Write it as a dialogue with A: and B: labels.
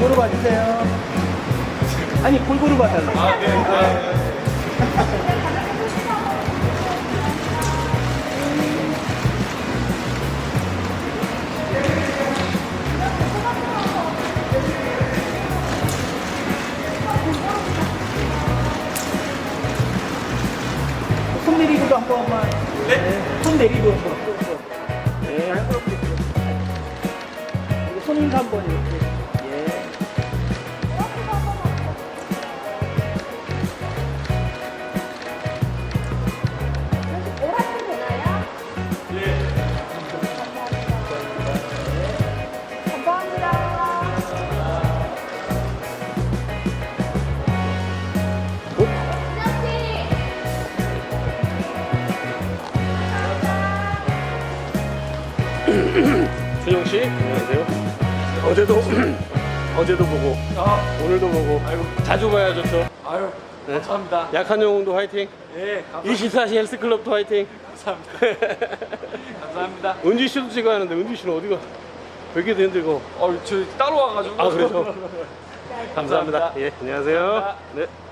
A: 골고루 봐주세요. 아니, 골고루 봐달라고.
B: 아, 네. 네.
A: 손 내리고도 한 번만.
B: 네?
A: 손 내리고 한 번. 네. 여기 손 한번 이렇게. 예.
C: 오락도 되나요?
B: 네.
C: 감사합니다.
D: 준영 씨, 안녕하세요. 어제도 어제도 보고 오늘도 보고
B: 아이고.
D: 자주 봐야 좋죠.
B: 아유,
D: 네.
B: 감사합니다.
D: 약한 영웅도 화이팅.
B: 예, 감사합니다.
D: 24시 헬스클럽도 화이팅.
B: 감사합니다. 감사합니다.
D: 은지 씨도 찍어야 하는데 은지 씨는 어디가? 베개도 힘들고.
B: 저 따로 와가지고.
D: 아, 그래요? 감사합니다.
B: 감사합니다.
D: 예, 안녕하세요.
B: 감사합니다.
D: 네.